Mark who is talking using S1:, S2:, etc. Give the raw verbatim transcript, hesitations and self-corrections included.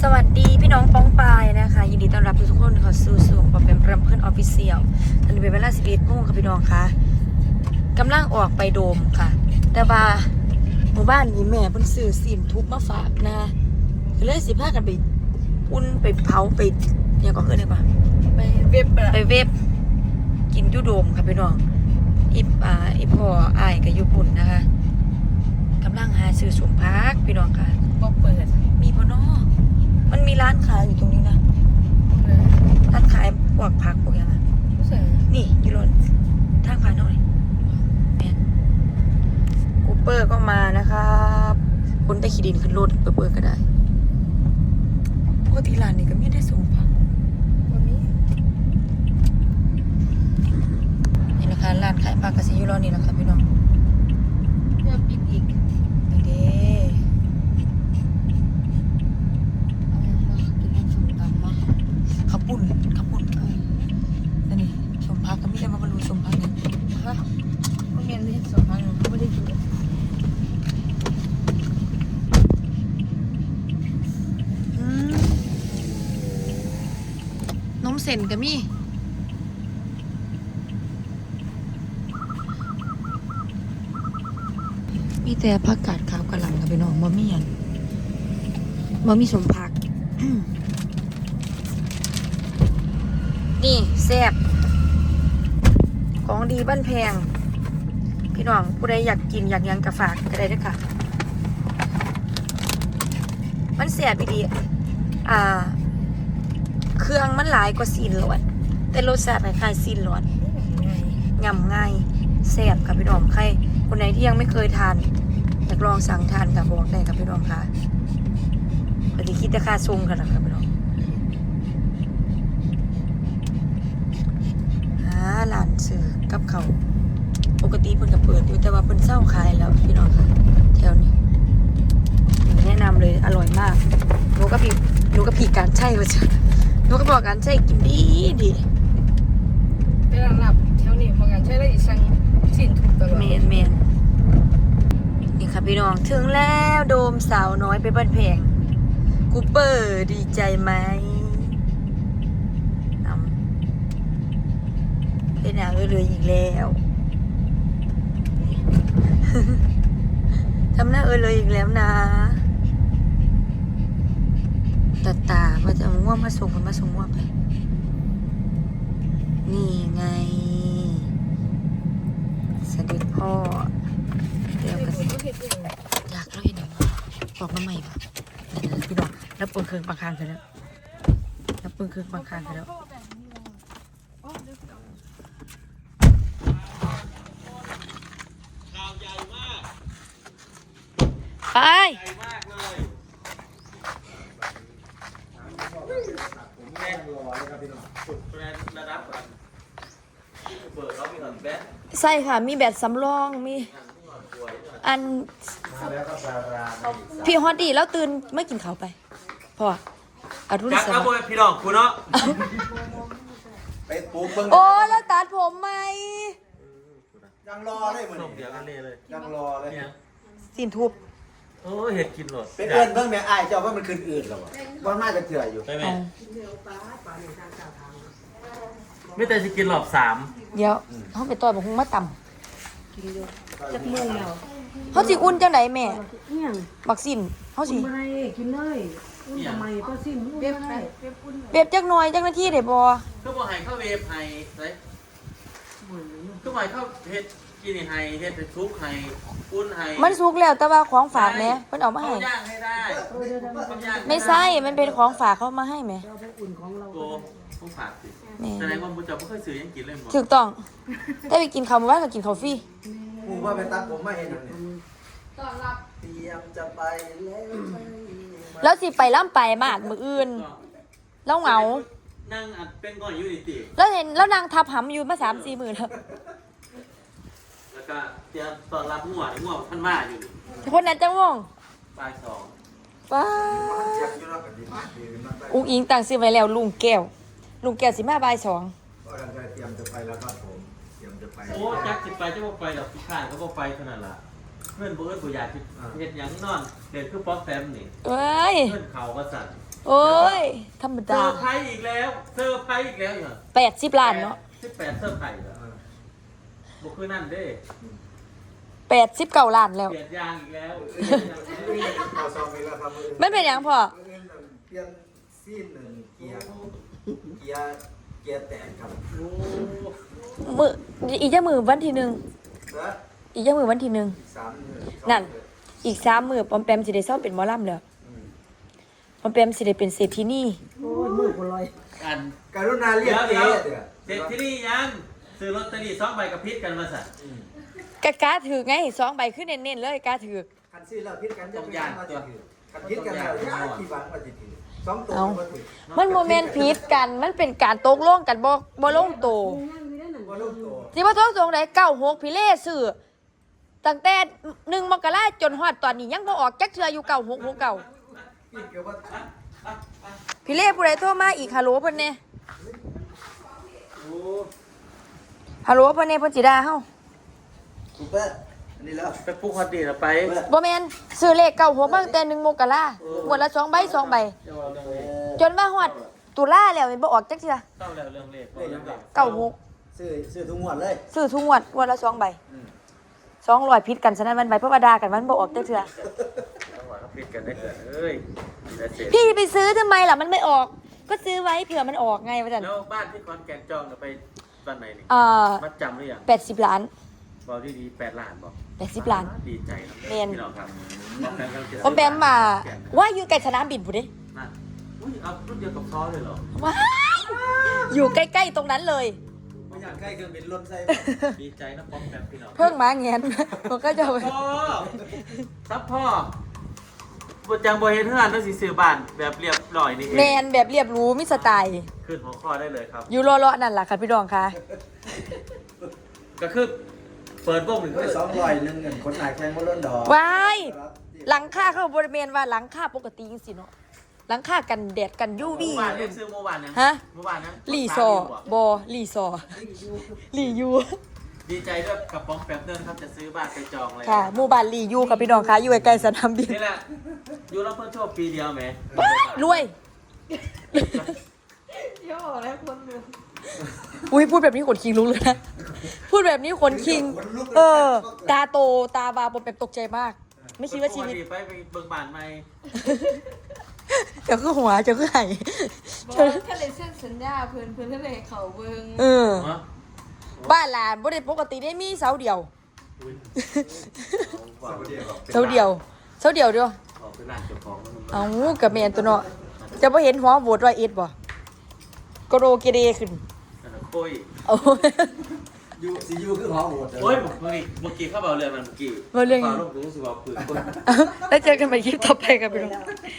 S1: สวัสดีพี่น้องป้องปายนะคะยินดีต้อนรับทุกคนเข้าสู่สู่ปอเป็นรำเพื่อนออฟฟิเชียลตอนนี้เป็นเวลาสิบเอ็ดโมงค่ะพี่น้องคะกำลังออกไปโดมค่ะแต่ว่าหมู่บ้านนี้แม่เพิ่นซื้อสินทุบมาฝากนะก็เลยสิพากันไปอุ่นไปเผาไปเนี่ยก็คือเนี่ยกว่าไปเว็บไปเว็บกินยูโดมค่ะพี่น้องอีอ่าอีพ่ออ้ายกับยูปุ่นนะคะกำลังหาซื้อสมพักพี่น้องค่ะบ่เปิดมีบ่เนาะมันมีร้านขายอยู่ตรงนี้นะร้านขายพวกผักพวกอย่างนั้นนี่อยู่รถทางผ่านเท่าไหร่กูเปอร์ก็มานะครับคนได้ขี้ดินขึ้นรถเปิดๆก็ได้ปกติร้านนี้ก็ไม่ได้ส่งผักนี่นะคะร้านขายผักกระสีอยู่รอนี่แหละค่ะพี่น้องเริ่มปิดอีกเด้ขับปุ่นขับปุ่นเออแต่นี่สมพักก็ไม่ได้มาบรรลุสมพักเนี่ยฮะไม่เรียนเลยสมพักเนี่ยไม่ได้กินนมเส้นก็มีมีแต่ผักกาดขาวกระหล่ำกับพี่น้องบะหมี่อันบะหมี่สมพักนี่แซ่บของดีบ้านแพงพี่น้องผู้ใดอยากกินอยากยังกระฝากก็ได้ด้วยค่ะมันแซ่บดีอ่าเครื่องมันหลายกว่าซีนหลอดแต่รสชาติคล้ายๆซีนหลอดยำง่ายแซ่บค่ะพี่น้องใครคนไหนที่ยังไม่เคยทานอยากลองสั่งทานกับบอกได้ค่ะพี่น้องค่ะปฏิคิดราคาทรงกันนะครับพี่น้องร้านซื้อกับเขาปกติเพิ่นก็เปิดอยู่แต่ว่าเพิ่นเศร้าขายแล้วพี่น้องค่ะแถวนี้แนะนำเลยอร่อยมากหนูก็พี่หนูก็พี่การใช่ว่าจะหนูก็บอกการใช่กินดีดี
S2: ไปร้านลับแถวนี้พอการใช้ได้อีกสั่งสินถูกตลอด
S1: เมนเมนนี่ค่ะพี่น้องถึงแล้วโดมสาวน้อยไปบ้านแพงกูเปอร์ดีใจไหมเป็นหนาเลยอีกแล้วทำหน้าเออเลยอีกแล้วนะตาตาว่าจะง่วงมาส่งคนมาส่งง่วงไปนี่ไงสวัสดีพ่อเดี๋ยวกันอยากเล่าให้หน่อยบอกน้ำใหม่ป่ะพี่บอกแล้วปืนเครื่องบางคางกันแล้วแล้วปืนเครื่องบางคางกันแล้วไปใช่ค่ะมีแบตสำรองมีอันพี่ฮอตดีแล้วตื่นไม่กินข้าวไปพออารุณสวัสดิ์
S3: พี่น้องคุณเนาะไปปลูกเบิ่ง
S1: โอ้แล้วตัดผมไหม
S3: ยังรอเลยเหมือนเดี๋ยวกันเลยยังรอเลย
S1: สินทุบ
S3: โอ้เห็ดกินหรอเป็นเอิญเบิ่งแม่อ้ายเจ้าว่ามันคืนอื่นหรอวะว่าน่าจะเถื่ออยู่ใช่ไหมไม่แต่จะกินหลอบสาม
S1: เดี๋ยวเขาไปต่อยบอกคงมาต่ำจักโมงแล้วเขาสิอุ่นจังไหนแม่บักสินเขาสิ
S2: อะไรกินเลยอุ่นทำไมก็สิ้นเว็บอะไร
S1: เว็บจักหน่อยจักนาทีเดี๋ยวบอ
S3: ก็บอกให้เข้าเว็บให้เลยก็บอกเข้าเฮ็ดกินให้เฮ็ดซุปให้อุ่นให้
S1: มันสุกแล้วแต่ว่าของฝากแม่เพิ่นเอามาให้
S3: ย่างให้ได้
S1: ไม่ใช่มันเป็นของฝากเขามาให้แม่
S3: ตัวของฝากสิแสดงว่าบุญจับไม่เคยซื้อยังกินเลยหมด
S1: ถูกต้องได้ไปกินข้าวมื้อวานก็กินข้าวฟรี
S3: กูว่าไปตัดผมมาเห็นนี่ต้อนรับเตรียมจะไป
S1: แล้วแล้วสิไปล่ำไปมาดมื้ออื่นแล้วเหงา
S3: นั่งอัดเป็นก่อนอยู่ติ
S1: แล้วเห็นแล้วนางทับหำอยู่มา สามสี่ มื้อแล้ว
S3: แล้วก็เตรียมต้อนรับงัวงัวพันมาอยู่
S1: คนนั้นจังวง
S3: บ่ายสอง
S1: ป้าอุ้งอิงตั้งชื่อไว้แล้วลุงแก้วลุงแก้วสิมาบ่ายสอง
S3: เตรียมจะไปแล้วครับผมเตรียมจะไปโอ้จักสิไปจะบ่ไปดอกพี่ข้างก็บ่ไปเท่านั้นล่ะเพื่อนบ่เอิ้นบ่อยากสิเฮ็ดหยังนอนเด็กคือป๊อกแปมนี่
S1: เอ้ย
S3: เพื่อนเขาก็สั่น
S1: โอ้ยธรรม
S3: เซอ
S1: ดา
S3: ร์ไพรส์อีกแล้วเซอร์ไพรส์อีกแล้วเหรอ
S1: แปดสิบล้านเนาะ
S3: สิบแปดเซอร์ไพรส์เหรอบ่คือนั่นเด้
S1: แปดสิบเก้าล้านแล้ว
S3: เปลี่ยนยางอีกแล้ว
S4: เอาซองไปแล้วครับ
S1: มันเป็นหยังพ่อ
S4: เปลี่ยนซีนหนึ่งเกียร์เกียร์เกียร์แตกครับ
S3: โอ้
S1: มืออีกจะมือวันที่หนึ่ง
S4: แล้ว
S1: อีกจะมือวันที่หนึ่ง
S4: สาม
S1: นั่น อีกสามมือปอมแปมสิได้เศร้าเป็นหมอลำแล้วปอมแปมสิได้เป็นเศรษฐีนี่
S2: โอ้ยมือคนลอย
S3: อัน
S4: การุณาเรี
S3: เดี๋
S4: ย
S3: ย
S4: ก
S3: ว
S4: เจ๊
S3: เดี๋ยว
S4: เดี๋ยว
S3: เสร็จที่นี่ยังซื้อลอตเตอรี่สองใบกับพิษกันมาสั่น
S1: กะกาถือไงสองใบขึ้นเน้นๆเลยกาถือ
S4: คันซื้อแล้วพิษกันจะเป็นการมาจะถือคันพิษกันแล้วยากที่บังมาจะถือสองตัวมาถือ
S1: มันโมเมนต์ผิดกัน มันเป็นการตกลงกันบ่บ่ลงโตว
S4: ว่าลูกตัว
S1: ที่ว่าท้องตรงไหนเก้าหกพี่เล่ซื้อตั้งแต่หนึ่งมกราจนฮอดตอนนี้ยังบ่ออกจักเทื่ออยู่เก้าหกหกเก้า
S4: พิษกับว่า
S1: พี่เล่ผู้ใดโทรมาอีกฮัลโหลเพิ่นแน่
S3: โอ้
S1: ฮัลโหลเพิ่นแน่เพิ่นสิด่าเฮา
S4: ถูกปะอันนี้แล้ว
S3: ไปปลุกฮอตดีละไป
S1: บ่แม่นซื้อเลขเก้าหกมาตั้งแต่หนึ่งมกราหมดละสองใบสองใบ
S3: เดี๋ยวเอาเรื่องเลข
S1: จนว่าฮอดตุลาแล้วมันบ่ออกจักเทื่อ
S3: ต้องแล้วเรื่องเลขเอาเรื่องเลข
S1: เก้าหก
S4: ซื้อซื้อทุกงวดเลย
S1: ซื้อทุกงวดงวดละสองใบสองร้อยผิดกันฉะนั้นมันใบเพราะว่าด่ากันมันบ่ออกจักเทื่อ
S3: ต้องว่าเขาพิษกันได้เกิดเอ้ยได้เสร็จ
S1: พี่ไปซื้อทำไมล่ะมันไม่ออก ก็ซื้อไว้เผื่อมันออกไงว่าจัน
S3: แล้วบ้านที่ขอนแก่นจองน่ะไปวันไหนนี่
S1: เอ่อ
S3: มัดจำหรือยัง
S1: แปดสิบล้าน
S3: บอกดีดีๆแปดล้านบอก
S1: แปดสิบล้าน
S3: ดีใจนะ
S1: เรียน
S3: พี่น้องครับบอกแฟนกันเถอะ
S1: ผมแปมมาว่าอยู่ใกล้สนามบินผู้เด้
S3: นั่นอุ้ยเอารุ่นเดียวกับซอเลยเหรอ
S1: ว้ายอยู่ใกล้ๆตรงนั้นเลย
S4: ไม่อยากใกล้เครื่องบินรถไฟ
S3: ดีใจนะป้องแปมพี่น้อง
S1: เพิ่งมาแงนผมก็จะไป
S3: พ่อซับพ่อบุจังบเฮ็ดเฮือนต้องสิซื้อบ้านแบบเรียบร้อยนี่เอ
S1: แม
S3: ง
S1: นแบบเรียบหรู้มิสไตล์
S3: ขึ้นหัวข้อได้เลยครับ
S1: อยู่รอๆนั่นแหละค่ะพี่ดองค่ะ
S3: ก็คือเปิดวงหนึ่ง
S4: ก็สองร้อยหนึ่งเงินคนหายแข่งมาล้นดอก
S1: ว้ายหลังค่าเขาบริเวณว่าหลังค่าปกติจริงๆเนาะหลังค่ากันแดดกันยูวี
S3: เมื่อวานเนี่ยซื้อเมื่อวานเนี่ย
S1: ฮะ
S3: เมื่อวานนะ
S1: ลีซอบอลีซอลียู
S3: ดีใจด้วยกับป้องแปมเดินครับจะซื้อบ้านไปจองเลย
S1: ค่ะหมู่บ้านลียูค่ะพี่น้องค่ะอยู่ใกล้ๆสนามบิน
S3: นี่แหละอยู่รับเพิ่มโชคปีเดียวไหม
S1: รวย
S2: ย่อแล้วคนหนึ่ง
S1: อุ้ยพูดแบบนี้ขนคิงลุกเลยนะ พูดแบบนี้ขนคิง เออ ตาโตตาบาผมแบบตกใจมาก ไม่คิดว่าชีวิต
S3: ไปไปเบิ่งบ้านใหม่
S1: เจ้าคือหัวเจ้าคือไห่
S2: บอกว่าถ้าเลยเส้นสัญญาเพื่อนเพื่อนทะเลเขาเบิ้ง
S1: เออ
S3: ฮะ
S1: บ้านหลานบ่ได้ปกติได้มีเสาเดียว
S3: อุ๊ย
S1: เสาเดียวเสาเดียวเดียว
S3: ออกไปร้านเจ้าของแล้วมัน
S1: เอากับแมนตัวเนาะจะบ่เห็นหัวโหวตร้อยเอ็ดบ่กโรเกเรขึ้น
S3: นั่นน่ะโอ้ย
S1: เอา
S4: ยูซียูคือหอโหด
S3: โอ้ยเมื่อกี้เมื่อกี้เข้าเบาเรื่องมันเมื่อกี้
S1: เบาเรื่อง
S3: ฟ้าลงรู้สึกว่าปืนคน
S1: แล้วเจอกันใหม่คลิปต่อไปครับพี่น้อง